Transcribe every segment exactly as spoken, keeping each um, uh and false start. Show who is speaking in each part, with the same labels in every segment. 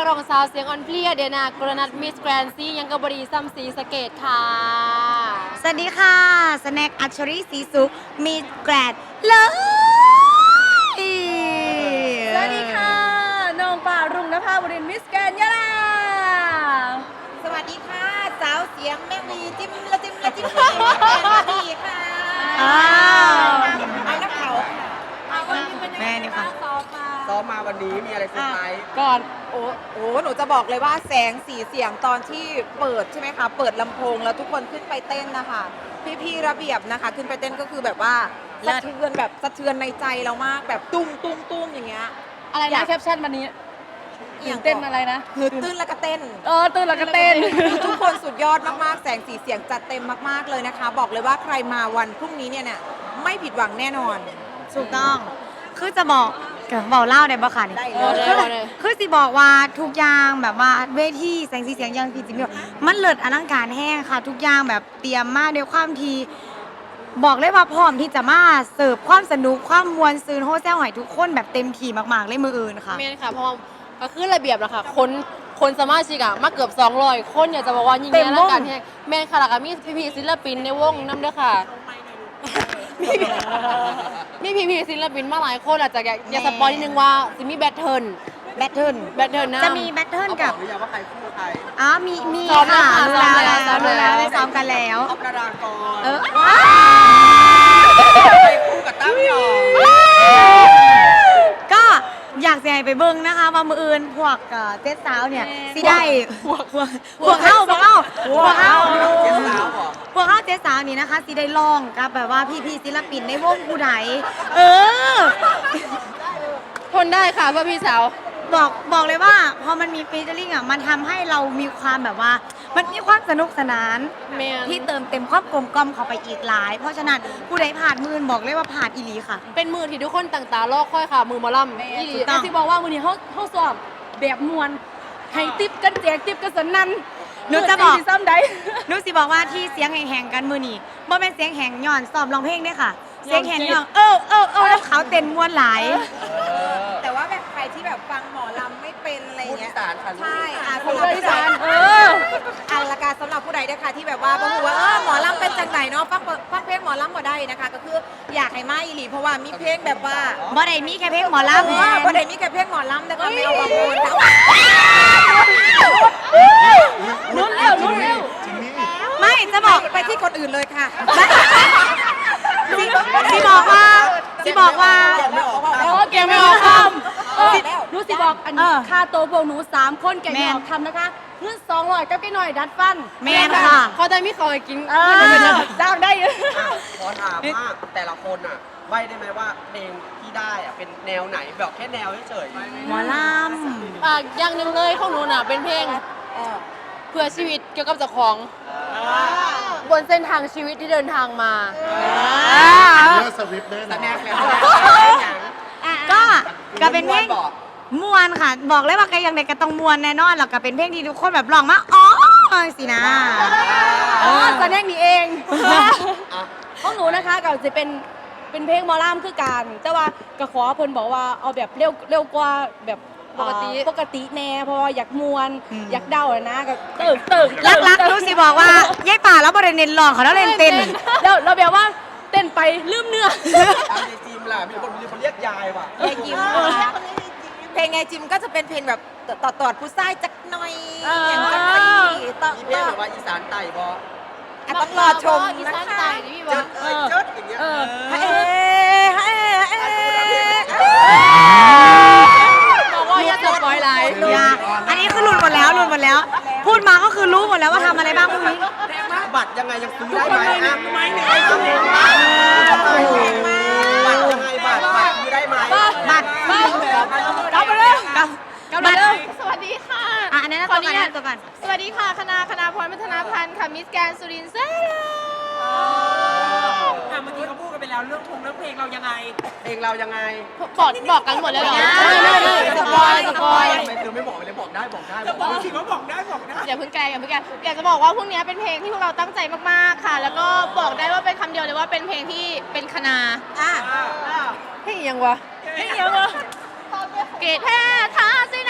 Speaker 1: รองสาวเสียงอ่อนเพลียเดนากรนัทมิสแกรนซี่ยังกบดีซัมซีสเกตค่ะ
Speaker 2: สวัสดีค่ะสแน็คอัชรีศรีสุขมีแกรดเลย
Speaker 3: สวัสดีค่ะน้องป่ารุ่งนภาบรินทร์มิสแกรนด์ยะลา
Speaker 2: สวัสดีค่ะสาวเสียงแม่วีจิ้มละจิ้มละจิ้มละจิ้มละจิ้มละดีค่ะอ้าวเอาน้ำเขาแม่นี่ค่ะ
Speaker 4: ซ้อมมาวันนี้มีอะไรเซอร์ไพรส์
Speaker 1: ก่อน
Speaker 5: โอ้โหหนูจะบอกเลยว่าแสงสีเสียงตอนที่เปิดใช่ไหมคะ เปิดลำโพงแล้วทุกคนขึ้นไปเต้นนะคะ พี่ๆระเบียบนะคะ ขึ้นไปเต้นก็คือแบบว่า
Speaker 2: เลิ
Speaker 5: สะ
Speaker 2: ศ
Speaker 5: เทือนแบบสะเทือนในใจเรามากแบบตุ้มตุ้มตุ้มอย่างเงี้ย
Speaker 3: อะไร
Speaker 5: อยา
Speaker 3: นะ
Speaker 5: ก
Speaker 3: แคปชั่นวันนี้
Speaker 5: อ
Speaker 3: ตื่
Speaker 5: ย่าง
Speaker 3: นเต้นอะไรนะ
Speaker 5: คือตื้นแล้วก็เต้น
Speaker 3: เออตื่นแล้วก็เต้น
Speaker 5: ทุกคนสุดยอดมากๆ แสงสีเสียงจัดเต็มมากๆเลยนะคะ บอกเลยว่าใครมาวันพรุ่งนี้เนี่ยเนี่ยไม่ผิดหวังแน่นอน
Speaker 2: ถูกต้องคือจะบอกเกิดบอกเล่าได้บ่ค่ะนี่
Speaker 5: ได้
Speaker 1: เอ
Speaker 5: เล
Speaker 1: อย ได้เลย
Speaker 2: คือสิบอกว่าทุกอย่างแบบว่าเวทีแสงสีเสียงอยังพี่จิมมี่มันเลิศอลังการแห้งค่ะ ทุกอย่างแบบเตรียมมาด้วยความทีบอกเลยว่าพร้อมที่จะมาเสิร์ฟความสนุกความมวลซืนโฮเซลใหอยทุกคนแบบเต็มที่มากๆเลยมืออื่นค่ะ
Speaker 1: เมนค่ะเพราะว่าก็คือระเบียบนะคะคนคนสมาชิกอะมาเกือบสองร้อยคนอยากจะบอกว่ายิ่ง
Speaker 2: เต็
Speaker 1: ให
Speaker 2: ม
Speaker 1: ญ่
Speaker 2: วง
Speaker 1: แล้วกันแฮงแมนค่ะแล้วก็มีพี่ๆศิลปินในวงน้ำเด้อค่ะมีพี่มีพี่ๆศิลปินมาหลายคนอาจจะอยากอยากสปอยนิดนึงว่าสิมีแบทเทิล
Speaker 2: แบทเทิล
Speaker 1: แบทเทิลนะ
Speaker 2: จะมีแบทเทิล
Speaker 4: เขาบ
Speaker 2: กั
Speaker 4: อบ กหรือยังว่าใครคู่ใคร
Speaker 2: อ๋อมีมี
Speaker 1: ซ้อมแล้ว
Speaker 2: ค่ะ
Speaker 1: ค่ะ
Speaker 2: รู้แล้ว
Speaker 1: ซ้อมแล้ว
Speaker 2: รู้แล้วได้ซ้อมกันแล้ว
Speaker 4: ท็อปนารากร
Speaker 2: เออ
Speaker 4: ใครคู่กับตั้มหยอง
Speaker 2: ก็อยากจะให้ไปเบิ่งนะคะว่ามืออื่นพวกเอ่อเจ๊สาวเนี่ยสิได้พวกพวกพวกเข้าพวกเข้าพวกเข้า
Speaker 4: เจ๊สาวเหรอ
Speaker 2: พวกเข้าเจ๊สาวนี่นะคะสิได้ลองกับแบบว่าพี่ๆศิลปินในวงผู้ใดเออ
Speaker 1: ทนได้ค่ะเพื่อพี่สาว
Speaker 2: บอกบอกเลยว่าพอมันมีฟีเจอริ่งอ่ะมันทำให้เรามีความแบบว่า มันมีความสนุกสนาน
Speaker 1: แมน
Speaker 2: ที่เติมเต็มความกลมกล่อมเข้าไปอีกหลาย เพราะฉะนั้นผู้ใดผ่านมือบอกเลยว่าผ่านอีหลีค่ะ
Speaker 1: เป็นมือที่ทุกคนต่างตารอคอยค่ะ มือหมอลำอีหลี
Speaker 2: ถูกต้
Speaker 3: แต่
Speaker 2: อง
Speaker 3: สิบอกว่าวันนี้เขาเขาสอบแบบมวลให้ติ๊บกันแจกติ๊บกันสนั่น
Speaker 2: หนูจะบอก
Speaker 3: เปิดตีซ้ำได้
Speaker 2: นุสิบอกว่าที่เสียงแหงๆกันมือนี่บ่เป็นเสียงแหงย้อนซ้อมร้องเพลงเด้อค่ะ เสียงแหงย้อนเออเออเออแล้วเขาเต้นมวนหลาย
Speaker 5: แต่ว่าแบบใครที่แบบฟังหมอลำไม่เป็นอะไร
Speaker 4: พูด
Speaker 5: เงี้
Speaker 4: อี
Speaker 5: ย
Speaker 4: สานค่ะลูก
Speaker 5: ใช่อ่ะ
Speaker 3: พู
Speaker 5: สำ
Speaker 3: ด
Speaker 5: หรับ
Speaker 3: อี
Speaker 5: ผู้ใด
Speaker 3: สานเออ
Speaker 5: อันละกาสำหรับผู้ใดนะคะที่แบบว่าบ่รู้ว่าเออหมอลำเป็นจังไหนเนาะฟังฟังเพลงหมอลำบ่ได้นะคะ ก็คืออยากให้มาอีหลีเพราะว่ามีเพลงแบบว่า
Speaker 2: บ่ได้มีแค่เพลงหมอ
Speaker 5: เอ
Speaker 2: ลำ
Speaker 5: อบ่ได้มีแค่เพลงหมอลำแต่ก็ไม่เอาบางคนแต่ว่า
Speaker 3: ลุ้นเร็วลุ้นเร็ว
Speaker 2: ไม่จะบอก
Speaker 5: ไปที่คนอื่นเลยค่ะ
Speaker 2: สิสิบอกว่าสิบอกว่า
Speaker 4: ยังไม่ออก
Speaker 3: โอ้เก่งไม่ออกคำเออหนูสิบอกอัน
Speaker 2: เอ
Speaker 3: นี้
Speaker 2: อ
Speaker 3: ค่าโตวพวกหนูสามคนเก่งไม่ออก
Speaker 2: แม่น
Speaker 3: คำนะคะเงินสองร้อยกับแก่หน่อยดัดฟัน
Speaker 2: แม่นค่ะ
Speaker 1: เขาจะมีเขาให้กิน
Speaker 3: เออจ้างได้
Speaker 4: อ่ะขอถามว่าแต่ละคนอ่ะใบได้ไหมว่าเพลงที่ได้อ่ะเป็นแนวไหนแบบแค่แนวเฉยๆ
Speaker 2: หมอล
Speaker 1: อ่ะอย่างหนึ่งเลยของหนูน่ะเป็นเพลงเพื่อชีวิตเกี่ยวกับเจ้าของ บนเส้นทางชีวิตที่เดินทางมา
Speaker 6: เลือกสวิฟต์แน่น
Speaker 4: แส
Speaker 6: อน
Speaker 4: ดงแล้วอย่าง
Speaker 2: ำก็ก็เป็นเพลง
Speaker 4: บอก
Speaker 2: มวนค่ะ บอกเลยว่าใครยังไงก็ต้องมวนแน่นอนแล้วก็เป็นเพลงที่ทุกคนแบบร้องมาอ๋อสินะ
Speaker 3: อ๋อแสดงนี่เอง
Speaker 4: อ่ะ
Speaker 3: ของหนูนะคะก็จะเป็นเป็นเพลงหมอลำคือการแต่ว่าก็ขอเพิ่นบอกว่าเอาแบบเร็วเร็วกว่าแบบ
Speaker 1: ปกติ
Speaker 3: อ่าปกติแน่เพราะว่าอยากมวน
Speaker 2: อืม
Speaker 3: อยากเดาอะนะก็เติมเติม
Speaker 2: รักรักๆรู้สิบอกว่ายายป่าแล้วบริเน้นร้องเขาแล้วเล่นเต้น
Speaker 3: เราเราแบบว่าเต้นไปลืมเนื้อ
Speaker 4: เอาในจิมล่ะมีคนมีคนเรียกยายว่ะ
Speaker 5: ยายจิมนะคะเพลงไงจิมก็จะเป็นเพลงแบบต่อตอดผู้ชายจักหน่อยอย่างจักหน่อยต่อ
Speaker 4: มีเพล
Speaker 5: ต่
Speaker 4: ง
Speaker 5: อ
Speaker 4: แบบว่าอีสานไต่บอ
Speaker 5: อ่ะต้องรอชม
Speaker 1: อี
Speaker 5: นะ
Speaker 1: สาน
Speaker 5: คะ
Speaker 1: ใต้นี่พี่บ
Speaker 4: เจิ
Speaker 1: อ
Speaker 4: ดเอ้ยเจิดอย่างเงี้ย
Speaker 3: เออ
Speaker 5: เฮ้เฮ้เฮ้
Speaker 1: บอกว่าอย่าสปอยไลน์
Speaker 2: อย่าอันนี้คือหลุดหมดแล้วหลุดหมดแล้ว พูดมาก็คือรู้หมดแล้วว่าทำอะไรบ้างพรุ่งนี้
Speaker 4: บัตรยังไงยังซื้อได้ไหมอ่ะไม่เนี่ยบัตรยังไงบัตรบัตรซื้อได้ไหม
Speaker 2: บัตร
Speaker 3: กลับมาเลย
Speaker 2: กับ
Speaker 3: กลับมาเลย
Speaker 7: สวัสดีค่ะ
Speaker 2: อ่ะอันนั้นนะ
Speaker 7: ขอ
Speaker 2: ตัว
Speaker 7: อนุ
Speaker 2: กัน
Speaker 7: ญาต
Speaker 2: นะตัวกัน
Speaker 7: สวัสดีค่ะ คณะคณะพรพัฒนาพันธ์ค่ะ มิสแกนสุรินทร์เซ่
Speaker 8: อ่ะเมื่อกี้เขาพูดกันไปแล้วเรื่องพงเรื่องเพลงเรายังไง
Speaker 4: เพลงเรายังไง
Speaker 1: บอกบอกกันหมดแล้วเหรอ
Speaker 2: ไม่ไม่ไม่
Speaker 1: สปอยสปอย
Speaker 4: ไม่เธอไม่บอกเลยบอกได้บอกได้
Speaker 8: จะบอกสิว่าบอกได้บอกได้
Speaker 7: อย่าเพิ่งแกอย่าเพิ่งแกอยากจะบอกว่าพวกนี้เป็นเพลงที่พวกเราตั้งใจมากๆค่ะ แล้วก็บอกได้ว่าเป็นคำเดียวเลยว่าเป็นเพลงที่เป็นคณะ
Speaker 5: อ่ะ
Speaker 1: เฮ้ยยังวะ
Speaker 3: เฮ้ยยังวะ
Speaker 7: เกตแท้ท้าสินั้นหา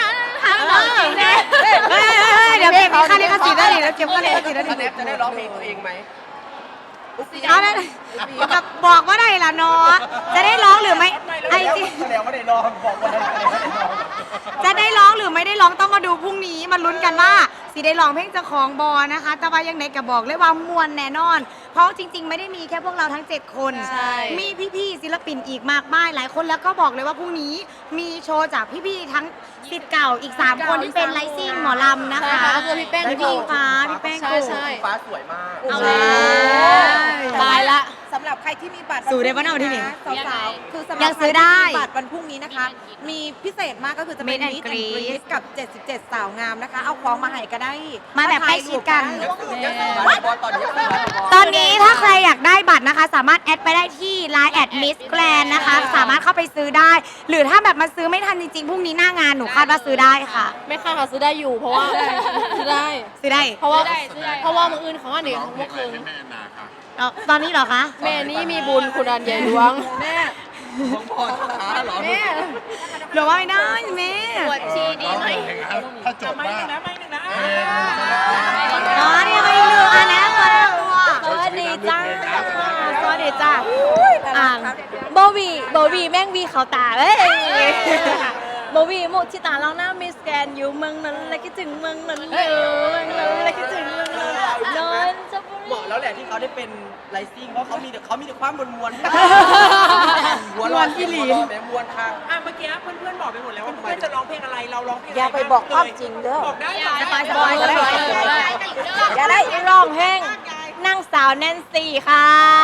Speaker 7: หนองจริงแน่
Speaker 2: เฮ้ยเฮ้ยเฮ้ยเดี๋ยวเก็บค่าลิขสิทธิ์ได้ดิแล้วเก็บค่าลิขสิทธิ์ได้
Speaker 4: สแน
Speaker 2: ดิ
Speaker 4: ปจะได้ร้องเพลงตัวเองไหม
Speaker 2: เอาได้กับบอกว่าได้ละเนาะจะได้ร้องหรือไม่ไอจี
Speaker 4: แสดงว่าได้ร้องบอกว่าได้ร้อง
Speaker 2: จะได้ร้องหรือไม่ได้ร้องต้องมาดูพรุ่งนี้มาลุ้นกันว่าสีได้ร้องเพลงเจ้าของบอนะคะ แต่ว่ายังไงก็บอกเลยว่ามวลแน่นอน เพราะจริง ๆ ไม่ได้มีแค่พวกเราทั้งเจ็ดคน
Speaker 1: ใช่
Speaker 2: มีพี่ๆศิลปินอีกมากมายหลายคนแล้วก็บอกเลยว่าพรุ่งนี้มีโชว์จากพี่ๆทั้งศิษย์เก่าอีกสามคนที่เป็นไลซิ่งหมอลำนะ
Speaker 1: ใช่
Speaker 2: คะ
Speaker 1: ค่ะก็คือพี่แป้ง
Speaker 2: และ
Speaker 1: โก
Speaker 2: พี่ฟ้าพี่แป้ง
Speaker 1: ใช่
Speaker 2: โก
Speaker 1: ใช่
Speaker 4: ฟ้าสวยมาก
Speaker 2: เอา
Speaker 1: แล้
Speaker 2: แล้ว
Speaker 1: ตายละ
Speaker 5: สำหรับใครที่มีบัตร
Speaker 2: สู่ได้ปะเนี่ยวันที่หนึ่ง
Speaker 5: สาวๆคือสำหรับ
Speaker 2: ยังซื้อได้
Speaker 5: ใครที่มีบัตรวันพรุ่งนี้นะคะ มีพิเศษมากก็คือจะเป็น
Speaker 2: Meet and
Speaker 5: Meet and
Speaker 2: Greet
Speaker 5: Greet กับ เจ็ดสิบเจ็ด สาวงามนะคะ เอาของมาให้ก็ได้
Speaker 2: มาแบบใกล้ชิดกัน
Speaker 4: ยังซื้อบัตรบอลตอนนี้ยังซื้อบัตรบอล
Speaker 2: ตอนนี้ถ้าใครอยากได้บัตรนะคะ สามารถแอดไปได้ที่ ไลน์ แอด มิส แกรนด์ นะคะ สามารถเข้าไปซื้อได้ หรือถ้าแบบมาซื้อไม่ทันจริงๆพรุ่งนี้หน้างานหนูคาดว่าซื้อได้ค่ะ
Speaker 1: ไม่ค่าค่ะซื้อได้อยู่ เพราะว่าซื้อได้
Speaker 2: ซื้อได้
Speaker 1: เพราะว่าเพราะว่ามืออื่นของอันนี้
Speaker 6: ร้อ
Speaker 1: ข
Speaker 6: ง
Speaker 1: อง
Speaker 6: เพล
Speaker 1: เมื่
Speaker 6: ง
Speaker 1: อ
Speaker 6: อะไร
Speaker 1: คืน
Speaker 6: ให้แม่นาค่ะ
Speaker 2: เอาตอนนี้เหรอคะ
Speaker 1: แม่นี่มีบุญคุณอันใหญ่หลวงแม่
Speaker 4: ของพอช้าเหรอ
Speaker 1: แม่
Speaker 2: หรือว่าไม่ได้แม่
Speaker 1: ปวดชีดีไหม
Speaker 6: ถ้าจบ
Speaker 8: ไม่
Speaker 6: ว่า
Speaker 8: หนึ่งนะไม่หนึ่งนะ
Speaker 6: เพลงจะได้
Speaker 2: อ๋อนี่ไม่เหลืออันนะตัวตัว
Speaker 6: สวัสดีจ้า
Speaker 2: สวัสดีจ้าอ่าน
Speaker 3: โบวีโบวีแม่งวีเขาตาเอ้ยโบวีมุชิตาลองหน้ามิสแกนอยู่เมืองนั้นและคิดถึงเมืองนั้นอยู่เมืองนั้นและคิดถึงเมืองนั้นนอนจะบุ
Speaker 4: เหมาะแล้วแหละที่เขาได้เป็นไลซิ่งเพราะเขามีแต่เขามีแต่ความมวลมวลมวลที่หลีแม่มวลค่ะ
Speaker 8: อ่ะเมื่อกี้เพื่อนๆบอกไปหมดแล้วว่าเพื่อนจะร้องเพลงอะไรเราร้องเพลง
Speaker 5: อย่าไปบอกความจริงเด้อ
Speaker 8: บอกได้
Speaker 3: สบายสบายก็ได้อย่าได้ร้องเพลงนั่งสาวแนนซี่ค่ะ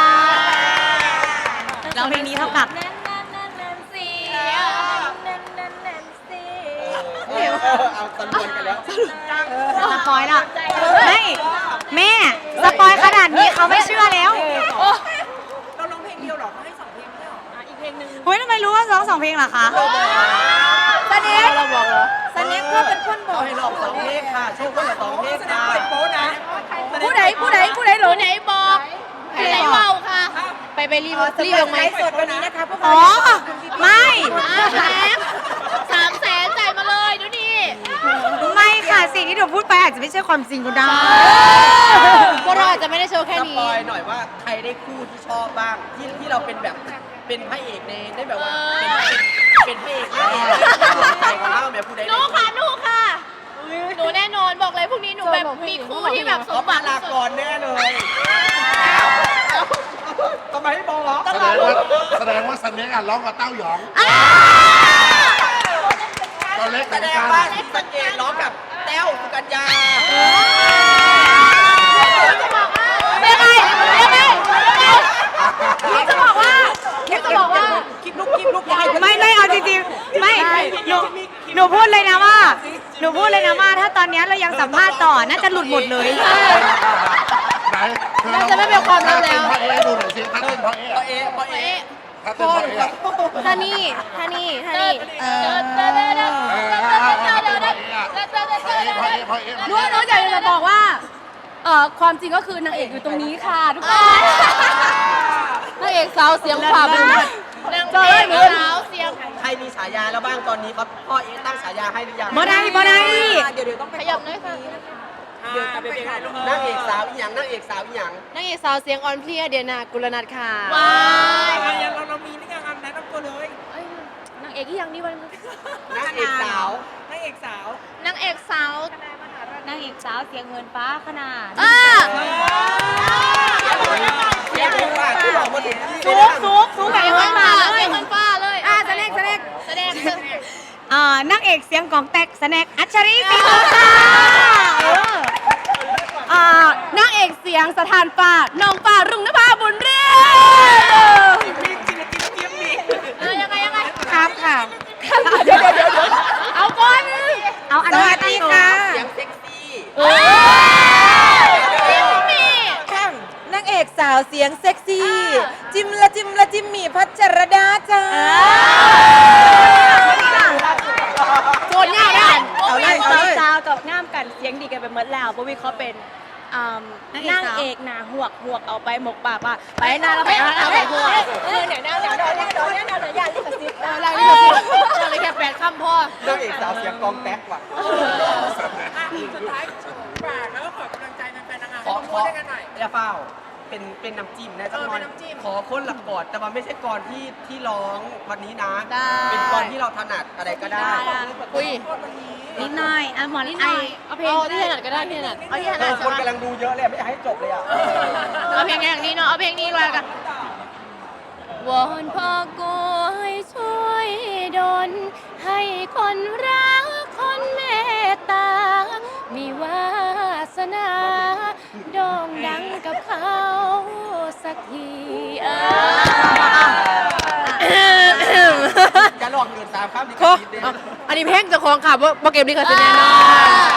Speaker 2: แล้วเพลงนี้เท่ากับ
Speaker 3: แนนแนนแนนแนนซี่แนนแนนแนนซี่
Speaker 4: เอาตะลวนกันแล้ว
Speaker 2: สปอยแล้วไม่แม่สปอยขนาดนี้เขาไม่เชื่อแล้ว
Speaker 8: เราร้องเพลงเดียวหรอเขาให้สองเพลงไม่หรออ่ะอีกเพลงหนึ่ง
Speaker 2: เฮ้ยทำไมรู้ว่าร้องสองเพลงเหรอคะ
Speaker 5: สเน็ก
Speaker 1: เราบอกเหรอ
Speaker 5: สเน็กก็เป็นคนบอ
Speaker 4: เอา
Speaker 5: ก
Speaker 4: ให้ลองสองเพลงค่ะโชว์คนละสองเพลง
Speaker 8: แสดง
Speaker 4: ค่ะ
Speaker 8: เปิดโป๊นะ
Speaker 3: ผู้ใดผู้ใดผู้ใดหล
Speaker 1: ผู้
Speaker 3: ง
Speaker 1: ไหนบอกผู้ไหนเมาค่ะ ไปไปรีบรีบลงไหม
Speaker 5: ไลฟ์สดวันนี้นะคะพวก
Speaker 2: อ๋
Speaker 5: เรา
Speaker 2: อ ไม่
Speaker 1: แสนสามแสนจ่ายมาเลยดูดิ
Speaker 2: ไม่ค่ะสิ่งที่หนูพูดไปอาจจะไม่ใช่ความจริงก็ได้
Speaker 1: พวกเราอาจจะไม่ได้โชว์แค่
Speaker 4: ส
Speaker 1: นี้
Speaker 4: ปอยหน่อยว่าใครได้คู่ที่ชอบบ้างที่ที่เราเป็นแบบเป็นพระเอกในได้แบบว่าเป็นเป็นพระเอกในใจของเราแบบผู้ใด
Speaker 7: หนูค่ะหนูค่ะ หนูแน่นอนบอกเลยพรุ่งนี้หนูแบบมีคู่ที่แบบส
Speaker 4: เขา
Speaker 7: มห
Speaker 4: ปา
Speaker 7: วัง
Speaker 4: ลา
Speaker 7: ที่สุ
Speaker 4: ก
Speaker 7: ด
Speaker 4: รแน่เลยทำไมให้บอกเหรอ
Speaker 6: แสดงว่าแสดงว่าสันเน็กอ่ะร้องกับเต้าหยองตอนเล็ก
Speaker 4: แส
Speaker 6: เหมือน
Speaker 4: ดง
Speaker 6: กัน
Speaker 4: ว่าสังเกตร้องกับแต้วสุกัญญา
Speaker 1: ยังไงยังไงจะบอกว่าจะบอกว่า
Speaker 5: คลิปลุกคลิปลุกยาย
Speaker 2: ไม่ไม่เอาจริงๆ ไม่หนูหนูพูดเลยนะว่า หนูพูดเลยนะว่า ถ้าตอนนี้เรายังสัมภาษณ์ต่อน่าจะหลุดหมดเลย
Speaker 6: ไหน
Speaker 1: น่าจะไม่เป็นความลับแล้ว
Speaker 6: ถ้าเต้นพ่อเอ๊ดูหน่อยสิถ้าเต้นพ่อเอ๊
Speaker 4: พอเอะพอเอะ
Speaker 6: ถ้าเต้นพ่อเอ๊อะ
Speaker 1: ท่านี่ท่านี่ท่านี่
Speaker 2: เออ
Speaker 6: เออเอาเอาเอาเอาพ่อเอ๊อะพ่อเอ๊พ่อเอ๊พ่อ
Speaker 3: หนู
Speaker 6: เอ๊
Speaker 3: หนูอยากจะบอกว่าเอ่อความจริงก็คือนางเอกอยู่ตรงนี้ค่ะทุกคน
Speaker 1: นางเอกสาวเสียงขวาบุญนางเอกสาวเสียง
Speaker 4: ใครมีฉายาแล้วบ้างตอนนี้ครับพ่อเอะตั้งฉายาให้หรือยัง
Speaker 2: บ่ได้บ่ได้
Speaker 5: เดี๋ยวเดี๋ยวต้องไป
Speaker 1: ขยับหน่อยค่ะ
Speaker 8: เดี๋ยวจะไปเพลงอะไรลูก
Speaker 4: นางเอกสาวอีหยังนางเอกสาวอีหยัง
Speaker 1: นางเอกสาวเสียงอ่อนเพลียเดียนากุลนัทค่ะ
Speaker 7: ว้า
Speaker 8: อ่ะยังเราเรามีนี่ยังอันแนะนำตัวเลย
Speaker 1: นางเอกที่ยังนี่วัน
Speaker 4: นางเอกสาวน
Speaker 8: างเอกสาว
Speaker 7: นางเอกสาว
Speaker 2: นางเอกสาวเสียงเงินฟ้าขนาด
Speaker 1: อ่า
Speaker 4: เสียงคนว่าที่บอกมาถึงที่
Speaker 2: สูงสูงสูงแบบ
Speaker 1: เสียง
Speaker 2: เงิ
Speaker 1: มัน น
Speaker 2: ฟ้า
Speaker 1: ฟ้า
Speaker 2: เล
Speaker 1: เสี
Speaker 2: ย
Speaker 1: ยงมันฟ้าเลย
Speaker 2: อ่าแสดงแสดง
Speaker 1: แสดง
Speaker 2: อ่านางเอกเสียงของแตกแสดงอัชรีปีโตค่ะเออ
Speaker 3: อ่านางเอกเสียงสถานฟ้าน้องฟ้ารุ่งนภาบุญเรีย
Speaker 8: มีจินจินเทียมมี
Speaker 1: เออยังไงยังไง
Speaker 2: ครับค่ะ
Speaker 3: เอาก่อน
Speaker 2: เอาอัน
Speaker 5: ส
Speaker 2: นี้
Speaker 5: วัสดีค่ะ
Speaker 4: เสียงเซ็กซี่
Speaker 5: ข้างนางเอกสาวเสียงเซ็กซี่ จิมละจิมละจิมหมีพัชรดาจ้า
Speaker 1: โจนยากได้
Speaker 5: เอาเลยเอาเลย
Speaker 3: สาวกับง่ามกันเสียงดีกันไปหมดแล้วบวีเขาเป็นอ่านั่งเอกหนาหวกหวกเอาไปหมกปากว่าไปหนาเราไปเอาไปหวกเออเนี่ยแนวแนวแนวแนวแนวแนวแนวอย่าลิขสิทธิ์
Speaker 1: อะไรนี่ก็สิอะไรแค่แปดคำพ่อน
Speaker 4: างเอกสาวเสียงกองแต๊กว่ะ
Speaker 8: สุดท้ายฝากแล้วก็ขอกำลังใจแฟนๆนางงาม
Speaker 4: ขอ
Speaker 8: ให้
Speaker 4: ข
Speaker 8: พู
Speaker 4: อ
Speaker 8: ดด้วยกันหน่อย
Speaker 4: อย่าเฝ้าเป็นเป็นน้ำจิ้มนะจังหน่อย
Speaker 8: เออเป็นน้ำจิ้ม
Speaker 4: ขอคนหลักกอดแต่ว่าไม่ใช่กอดที่ที่ร้องวันนี้นะ
Speaker 1: ได้
Speaker 4: เป็นกอดที่เราถนัดอะไรก็ได้
Speaker 1: อุ้ย
Speaker 2: นิดหน่อยอ่ะหมอนิดห
Speaker 1: ไอ
Speaker 2: น่อย
Speaker 1: เอาเพลงที่ถนัดก็ได้ที่ถนัดเอาที่ถ
Speaker 4: เอ
Speaker 1: นัด
Speaker 4: อ
Speaker 1: ใช่
Speaker 4: คน
Speaker 1: ไหม
Speaker 4: กำลังดูเยอะเลยไม่อยากให้จบเลยอ่ะ
Speaker 1: เอาเพลงอย่างนี้เนาะเอาเพลงนี้เลยกันวอนพ่อกูให้ช่วยดลให้คนรักคนเมตตา มีวาสนาโด่งดังกับเขาสักทีเออ
Speaker 4: จะลองเงินสามข้ามดีก
Speaker 1: โค
Speaker 4: ว่าดีเด้
Speaker 1: อันนี้เพลงเจะของค่ะว่าโปรเกมนี้ก็จะแน่นอน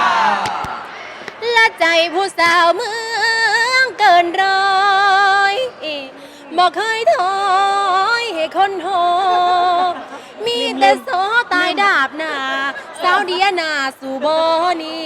Speaker 1: ละใจผู้สาวเมืองเกินร้อยบอกเคยถอยให้คนโหมีแต่โซตายดาบหน้าสาวเดียนาสู่โบนี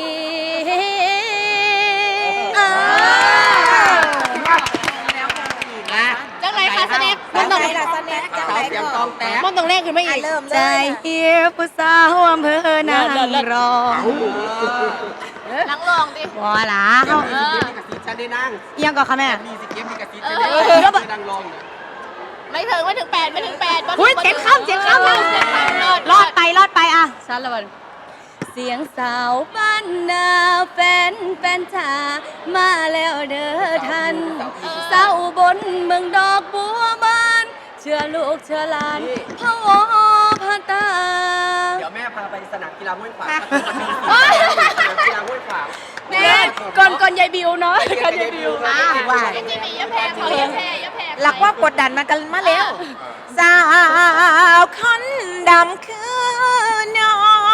Speaker 1: จังไรคะสแน็คมันต้อง
Speaker 5: ไหนล่ะสแน็คจัง
Speaker 4: สาว
Speaker 5: ไหน
Speaker 4: เสียงก
Speaker 5: ก่
Speaker 4: อ
Speaker 5: อน
Speaker 4: งแต๊ก
Speaker 1: มันต้องแรกขึ้นมา
Speaker 5: อ่ะ
Speaker 1: อีก
Speaker 5: เริ่มเล
Speaker 2: ใจ
Speaker 5: ย
Speaker 2: เฮียผู้สาวอำเภอนางรอง
Speaker 1: นังลองดิ
Speaker 2: วอล่ะ
Speaker 4: เดี๋ยว
Speaker 2: เขา
Speaker 4: มีสิเกมมีกระสีฉันได้นั่ง
Speaker 2: เอียงก่อนค่ะแม่
Speaker 4: มีสิเกมมีกระสีฉันได้นั่งไม่นั่งลองเนี่ย
Speaker 1: ไม่ถึงไม่ถึงแปดไม่ถึงแปด
Speaker 2: อุ้ยเจ็ดข้ามเจ็ดข้ามรอดไปรอดไปอ่ะ
Speaker 1: ชันละวัน
Speaker 3: เสียงสาวบ้านนาแฟนแฟนจ๋ามาแล้วเด้อท่านสาวอุบนเมืองดอกบัวบานเชื่อลูกเชื่อหลานพะวอพะตา
Speaker 4: เดี๋ยวแม่พาไปสนามกีฬาห้วยขวางมันมีสนามกีฬาห้วยขวาง
Speaker 3: แม่ก่อนก่อนยายบิวเนาะก่อนยายบิว
Speaker 5: อ่ะว่า
Speaker 1: ยังจะมียะแพงเขายะแพงยะแพง
Speaker 5: หลักว่ากดดันมากันมาแล้ว สาวคนดำคือน้อง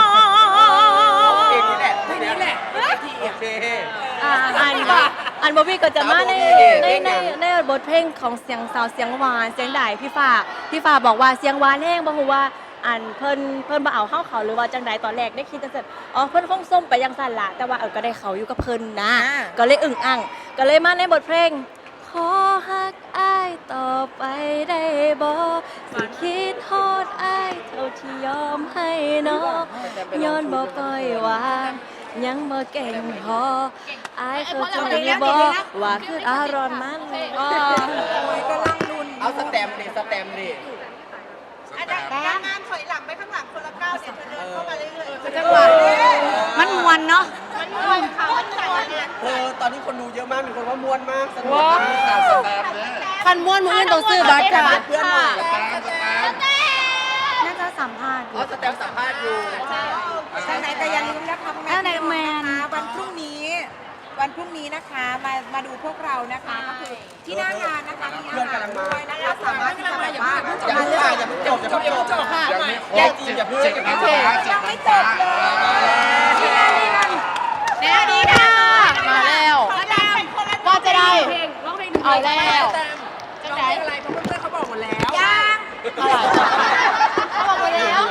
Speaker 4: เพลงนี้แหละเพลงนี้แหละที่โอเค
Speaker 3: อ่าอันอันบอบบี้ก็จะมาในในในในบทเพลงของเสียงสาวเสียงหวานเสียงด่ายพี่ฟ้าพี่ฟ้าบอกว่าเสียงหวานแห้งบอกว่าอันเพิ่นเพิ่นบ่เอาเข้าเขาหรือว่าจังใดตอนแรกได้คิดจังซั่นอ๋อเพิ่นคงส้มไปยังสั่นละแต่ว่าเออก็ได้เขาอยู่กับเพิ่นนะ ก็เลยอึ่งอ่างก็เลยมาในบทเพลงขอฮักอ้ายต่อไปได้บ่สิคิดฮอดอ้ายเท่าที่ยอมให้น้องย้อนบ่ปล่อยวางยังบ่เก่งพออ้ายเข้าใจบ่ว่าคืออารมณ์มันอ๋อ
Speaker 5: โอ้ยก็ลังลุน
Speaker 4: เอาสแตมป์ดิสแตมป์ดิ
Speaker 8: อันนั้นนางงามถอยหลังไปข้างหลังคนละก้าวเดี๋ยวเธอเดินเข้ามาเรื่อยๆ
Speaker 5: จังหวะ
Speaker 2: มันมวนเนาะ
Speaker 8: มันม่วนค่ะมันม่วนเนี่ย
Speaker 4: เออตอนนี้คนดูเยอะมากมีคนว่าม่วนมากสนุกมาก
Speaker 6: ตามสแตมป์เนี่ย
Speaker 1: คันม้วนมือต้องซื้อบัตรค่ะ
Speaker 4: เพื่อนหน่อย
Speaker 6: ตามสแตมป์
Speaker 2: น่าจะสัมภาษณ์
Speaker 4: เอาสแตมป์สัมภาษณ์อยู่
Speaker 5: ทางไหนก็อย่าลืมนะคะพ่อแม่
Speaker 2: แล้วไหน
Speaker 5: พี่น้อง
Speaker 2: แมน
Speaker 5: นะคะวันพรุ่งนี้ วันพรุ่งนี้นะคะมามาดูพวกเรานะคะก็คือที่หน้างานนะคะมีอาหารด้วยนะคะสามารถที่จะแบบว่า
Speaker 4: อย่า
Speaker 5: มา
Speaker 4: เพิ่ง
Speaker 5: เลือก
Speaker 4: อย่าเพิ่งจบอย่าเพิ่งจบ
Speaker 1: ค่ะ
Speaker 6: ยังไม่คร
Speaker 4: แย่
Speaker 6: บ
Speaker 4: จริงอย่าเพิ่ง
Speaker 6: เจ็ด
Speaker 4: อย่า
Speaker 6: พั
Speaker 4: เพิ่
Speaker 6: น
Speaker 4: ง
Speaker 6: บาทเจ็ด
Speaker 5: ยัง
Speaker 6: พั
Speaker 5: ไม่
Speaker 6: น
Speaker 5: จ
Speaker 6: บา
Speaker 5: บ
Speaker 6: ท
Speaker 5: เลย
Speaker 1: แน่ดีค่ะแน่ดีค่ะมาแล้วว่าจะได้เอาแล้วจะได้
Speaker 8: อะไรเพราะเพื่อนๆเขาบอกหมดแล้ว
Speaker 5: ยัง
Speaker 1: อะไรเขาบอกไปแล้ว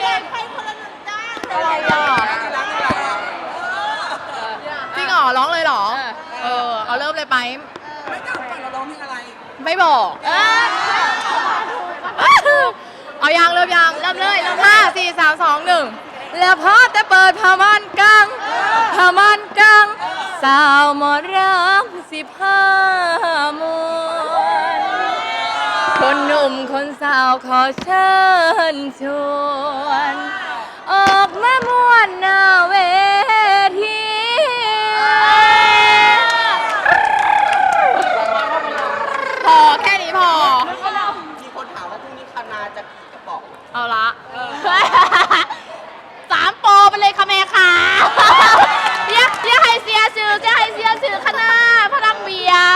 Speaker 1: อะไรอ่ะจริงเหรอร้องเลยเหรอ เออ เอาเริ่มเลยไป
Speaker 8: ไม่ต้องก่อนเราร้องเพลงอะไร
Speaker 1: ไม่บอกเอายังเริ่มยังเริ่มเลยห้าสี่สามสองหนึ่งแล้วพอแต่เปิดผ้าม่านกังผ้าม่านกังสาวหมอรำสิบห้ามวนคนหนุ่มคนสาวขอเชิญชวน ออกมามวนหน้าเวทีพอแค่นี้พอ
Speaker 4: มีคนถามว่าพรุ่งนี้คณาจะกี่กระป๋อง
Speaker 1: เอาละสามโปรไปเลยค่ะแม่ค่ะเรียกเรียกให้เสียชื่อเรียกให้เสียชื่อคณะพลังเบียร์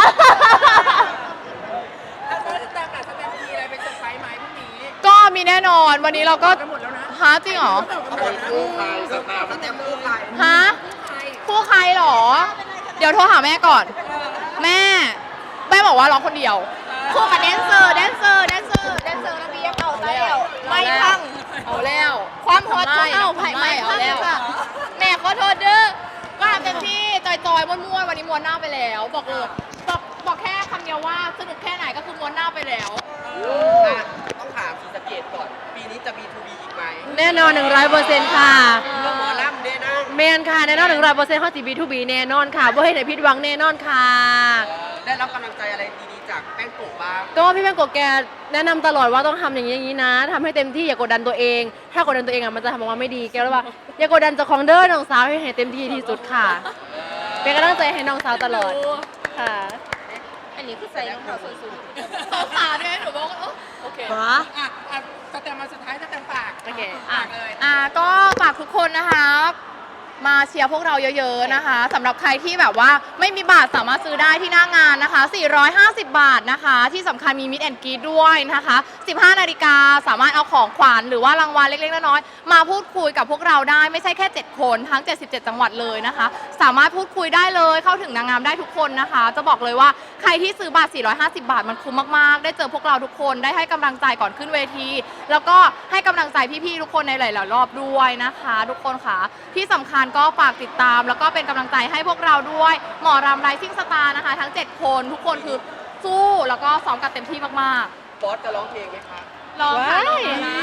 Speaker 8: แล้วก็สแตมป์ล่ะสแตมป์มีอะไรเป็นเซอร์ไพรส์ไหมพรุ่งนี้
Speaker 1: ก็มีแน่นอนวันนี้เราก็
Speaker 8: กันหมดแล้วนะ
Speaker 1: หาจริงเหรอ
Speaker 6: ใครคู่ใครสแตมป์
Speaker 4: สแตมป์คู่ใคร
Speaker 1: ฮะคู่ใครเหรอ เดี๋ยวโทรหาแม่ก่อน แม่แม่บอกว่าร้องคนเดียวคู่กับแดนเซอร์แดนเซอร์แดนเซอร์แดนเซอร์ระเบียบเอาแล้วไม่พังเอาแล้ว ความฮอตของเอาไผ่ไม่พังค่ะแม่ขอโทษเด้อก็ทำเต็มที่จ
Speaker 7: จอยๆม่วนๆวันนี้ม้วนหน้าไปแล้ว บอกเลยบอกบอกแค่คำเดียวว่าสนุกแค่ไหนก็คือม้วนหน้าไปแล้ว
Speaker 4: อ่ะต้องถามศรีสะเกษก่อน ปีนี้จะมี ทู บี อีกไหม
Speaker 3: แน่นอน หนึ่งร้อยเปอร์เซ็นต์ ค่ะ
Speaker 4: เรื่องหมอลำด้วยนะ
Speaker 3: แมนค่ะ แน่นอน หนึ่งร้อยเปอร์เซ็นต์ ข้อจีบีทูบีแน่นอนค่ะบ่ให้ไหนผิดหวังแน่นอนค่ะ
Speaker 4: เอ่อได้รับกำลังใจอะไรดีๆจากแป้งโกะบ้าง
Speaker 3: ก็พี่แม่งกดแกแนะนำตลอดว่าต้องทำอย่างนี้อย่างนี้นะทำให้เต็มที่อย่ากดดันตัวเอง ถ้ากดดันตัวเองอ่ะมันจะทำออกมาไม่ดีแกเลยว่าอย่ากดดันเจ้าของเด้อน้องสาวให้เต็มที่ที่สุดค่ะ เป็นกำลังใจให้น้องสาวตลอดค่ะ
Speaker 7: อันนี้คือใส่รองเท้าส้นสูงสองขาด้วยหนูบอกว่าเออโอเค
Speaker 2: วะ
Speaker 8: อ่ะอ่ะสแตมมาสุดท้ายสแตมฝาก
Speaker 3: โอเค
Speaker 8: ฝากเลย
Speaker 7: อ่าก็ฝากทุกคนนะคะมาเชียร์พวกเราเยอะๆนะคะสำหรับใครที่แบบว่าไม่มีบัตรสามารถซื้อได้ที่หน้างานนะคะ สี่ร้อยห้าสิบ บาทนะคะ ที่สำคัญมีมิดแอนด์กรีดด้วยนะคะ สิบห้านาฬิกาสามารถเอาของขวัญหรือว่ารางวัลเล็กๆน้อยๆมาพูดคุยกับพวกเราได้ไม่ใช่แค่ เจ็ด คนทั้ง เจ็ดสิบเจ็ด จังหวัดเลยนะคะ สามารถพูดคุยได้เลยเข้าถึงนางงามได้ทุกคนนะคะ จะบอกเลยว่าใครที่ซื้อบัตร สี่ร้อยห้าสิบ บาทมันคุ้มมากๆ ได้เจอพวกเราทุกคนได้ให้กำลังใจก่อนขึ้นเวที แล้วก็ให้กำลังใจพี่ๆทุกคนในหลายๆรอบด้วยนะคะ ทุกคนค่ะที่สำคัญก็ฝากติดตามแล้วก็เป็นกำลังใจให้พวกเราด้วยหมอรำไรซิ่งสตาร์นะคะ ทั้ง เจ็ด คนทุกคนคือสู้แล้วก็ซ้อมกันเต็มที่มาก
Speaker 4: บอสจะร้องเพลงไหมคะ
Speaker 7: ๆรองค่ะรองนะ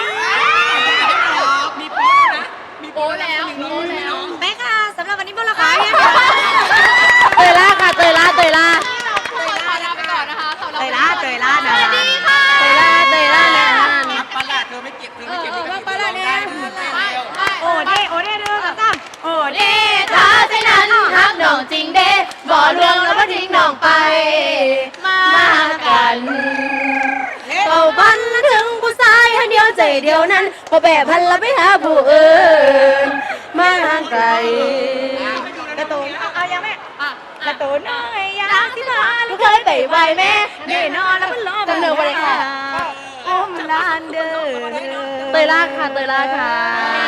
Speaker 8: มีโป๊ะนะ มี
Speaker 7: โอ้แล้วโอ้แล้ว
Speaker 2: แม่ค่ะสำหรับวันนี้พวกเราขาย
Speaker 3: เตยล่าค่ะเตยล่าเตยล่า
Speaker 7: ขอลาไปก่อนนะคะสำหรับ
Speaker 2: เตยล่าเตยล่า
Speaker 7: ส
Speaker 2: นะ
Speaker 7: วัสดีค่ะ
Speaker 3: เตยล่าเตยล่านะ
Speaker 4: อัปปะละเธอไม่เก็บเธอไม่เก็บนี่ก็ปะละเนี่ย
Speaker 2: โอ้เด้โอ้เด้เด้อสามโอ้เด้
Speaker 1: ถ้าเช่นนั้นฮักน้องจริงเด้บ่ลวงแล้วบ่ทิ้งน้องไป มากันเป่าพันละถึงผู้ชายให้เดียวใจเดียวนั้นพอแปรพันละไปหาผู้อื่นมาไกล
Speaker 2: กระตูนเอายังแม่กระตูนน้อยอยากที่มา
Speaker 1: ลูกเคยไปไหวแม่
Speaker 2: เด้นอนแล้วมันรอ
Speaker 3: จำเนือไปเลยค่ะ
Speaker 2: อมลานเด้อ
Speaker 3: เตยล่าค่ะเตยล่าค่ะ